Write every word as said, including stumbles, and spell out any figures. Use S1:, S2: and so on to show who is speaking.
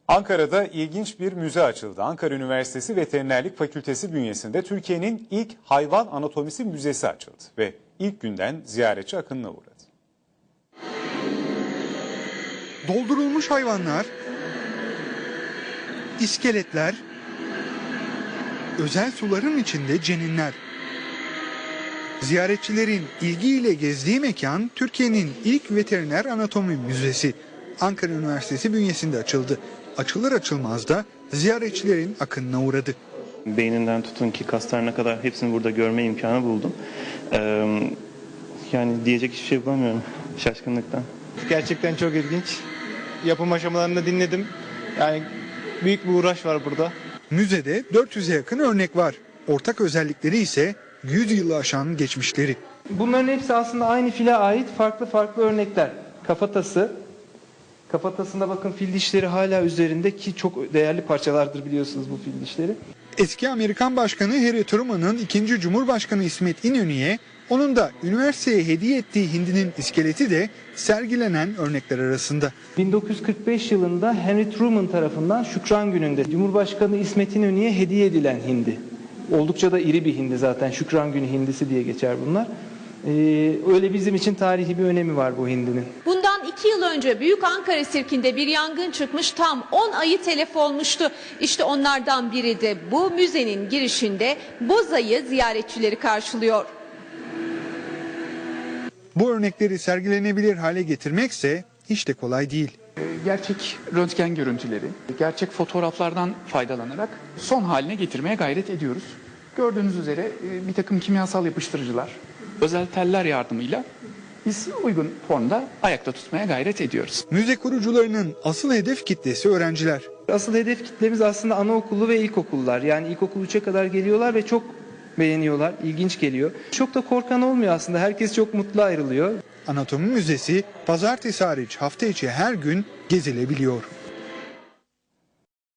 S1: Ankara'da ilginç bir müze açıldı. Ankara Üniversitesi Veterinerlik Fakültesi bünyesinde Türkiye'nin ilk hayvan anatomisi müzesi açıldı ve ilk günden ziyaretçi akınına uğradı.
S2: Doldurulmuş hayvanlar, iskeletler, özel suların içinde ceninler. Ziyaretçilerin ilgiyle gezdiği mekan Türkiye'nin ilk veteriner anatomi müzesi. Ankara Üniversitesi bünyesinde açıldı. Açılır açılmaz da ziyaretçilerin akınına uğradı.
S3: Beyninden tutun ki kaslarına kadar hepsini burada görme imkanı buldum. Ee, yani diyecek hiçbir şey bulamıyorum şaşkınlıktan.
S4: Gerçekten çok ilginç. Yapım aşamalarını dinledim. Yani büyük bir uğraş var burada.
S2: Müzede dört yüze yakın örnek var. Ortak özellikleri ise yüz yılı aşan geçmişleri.
S5: Bunların hepsi aslında aynı file ait farklı farklı örnekler. Kafatası, kafatasında bakın fil dişleri hala üzerinde ki çok değerli parçalardır biliyorsunuz bu fil dişleri.
S2: Eski Amerikan Başkanı Harry Truman'ın ikinci Cumhurbaşkanı İsmet İnönü'ye, onun da üniversiteye hediye ettiği hindinin iskeleti de sergilenen örnekler arasında.
S5: bin dokuz yüz kırk beş yılında Henry Truman tarafından Şükran Günü'nde Cumhurbaşkanı İsmet İnönü'ye hediye edilen hindi. Oldukça da iri bir hindi zaten. Şükran Günü hindisi diye geçer bunlar. Ee, öyle bizim için tarihi bir önemi var bu hindinin.
S6: Bundan iki yıl önce Büyük Ankara Sirki'nde bir yangın çıkmış, tam on ayı telef olmuştu. İşte onlardan biri de bu müzenin girişinde bozayı ziyaretçileri karşılıyor.
S2: Bu örnekleri sergilenebilir hale getirmekse hiç de kolay değil.
S7: Gerçek röntgen görüntüleri, gerçek fotoğraflardan faydalanarak son haline getirmeye gayret ediyoruz. Gördüğünüz üzere bir takım kimyasal yapıştırıcılar, özel teller yardımıyla biz uygun formda ayakta tutmaya gayret ediyoruz.
S2: Müze kurucularının asıl hedef kitlesi öğrenciler.
S5: Asıl hedef kitlemiz aslında anaokulu ve ilkokullar. Yani ilkokul üçe kadar geliyorlar ve çok beğeniyorlar, ilginç geliyor. Çok da korkan olmuyor aslında, herkes çok mutlu ayrılıyor.
S2: Anatomi Müzesi pazartesi hariç hafta içi her gün gezilebiliyor.